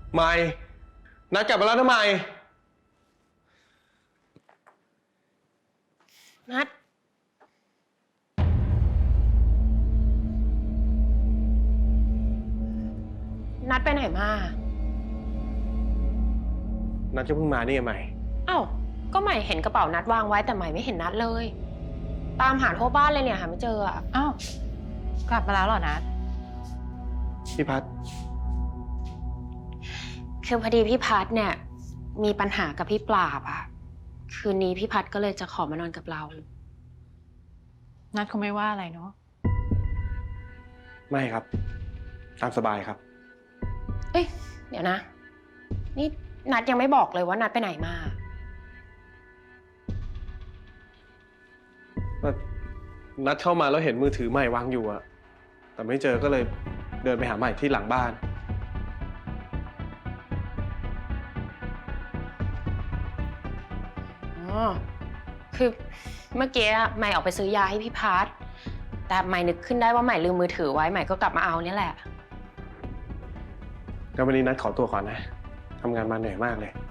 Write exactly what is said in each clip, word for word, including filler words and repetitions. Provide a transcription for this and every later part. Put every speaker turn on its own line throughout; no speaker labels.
ไม่นัดกลับมาแล้วทำไม
นัดนัดไปไหนมา
นัดจะเพิ่งมานี่ไง
เอ้าก็ใหม่เห็นกระเป๋านัดวางไว้แต่ใหม่ไม่เห็นนัดเลยตามหาทั่วบ้านเลยเนี่ยหาไม่เจออ่ะ
อ้าวกลับมาแล้วเหรอนัด
พี่พัด
คือพอดีพี่พัดเนี่ยมีปัญหากับพี่ปราบอะคืนนี้พี่พัดก็เลยจะขอมานอนกับเรา
นัดคงไม่ว่าอะไรเนาะ
ไม่ครับตามสบายครับ
เอ้ยเดี๋ยวนะนี่นัดยังไม่บอกเลยว่านัดไปไหนมา
นัดเข้ามาแล้วเห็นมือถือใหม่วางอยู่อะแต่ไม่เจอก็เลยเดินไปหาใหม่ที่หลังบ้าน
อ๋อคือเมื่อกี้ใหม่ออกไปซื้อยาให้พี่พัดแต่ใหม่นึกขึ้นได้ว่าใหม่ลืมมือถือไว้ใหม่ก็กลับมาเอาเนี่ยแหละ
ก็วันนี้นัดขอตัวก่อนนะทำงานมาเหนื่อยมากเลย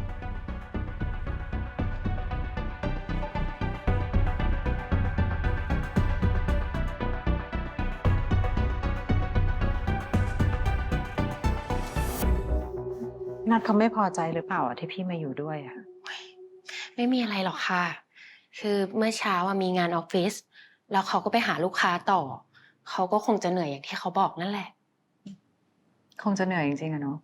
นัดเขาไม่พอใจหรือเปล่าที่พี่มาอยู่ด้วยอะ
ไม่มีอะไรหรอกค่ะคือเมื่อเช้ามีงานออฟฟิศแล้วเขาก็ไปหาลูกค้าต่อเขาก็คงจะเหนื่อยอย่างที่เขาบอกนั่นแหละ
คงจะเหนื่อยจริงๆอะเนาะ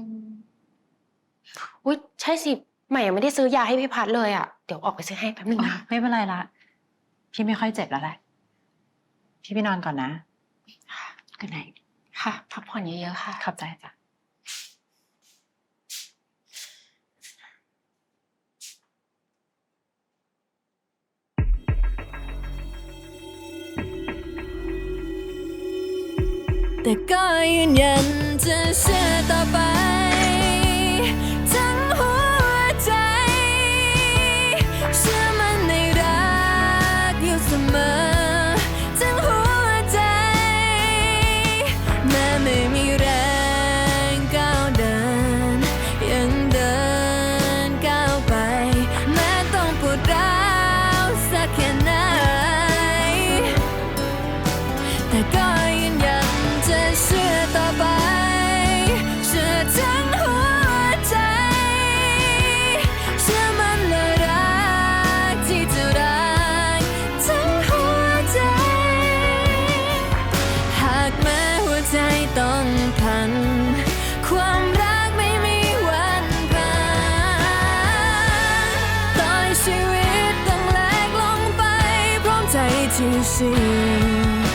อุ้ยใช่สิใหม่ยังไม่ได้ซื้อยาให้พี่พัดเลยอ่ะเดี๋ยวออกไปซื้อให้แป๊บนึงนะ
ไม่เป็นไรละพี่ไม่ค่อยเจ็บแล้วแหละพี่ไปนอนก่อนนะ
good night ค่ะพักผ่อนเยอะๆค่ะ
ขอบใจจ้ะ
แต่ก็ยืนยันจะเชื่อต่อไปทั้งหัวใจเชื่อมันในรักอยู่เสมอทั้งหัวใจแม้ไม่มีแรงก้าวเดินยังเดินก้าวไปแม้ต้องปวดร้าวสักแค่ไหนแต่ก็ยืนยันจะเชื่อต่อไปเชื่อทั้งหัวใจเชื่อมันและรักที่จะรักทั้งหัวใจหากแม้หัวใจต้องพังความรักไม่มีวันผ่านต่อให้ชีวิตต้องแหลกลงไปพร้อมใจที่เชื่อ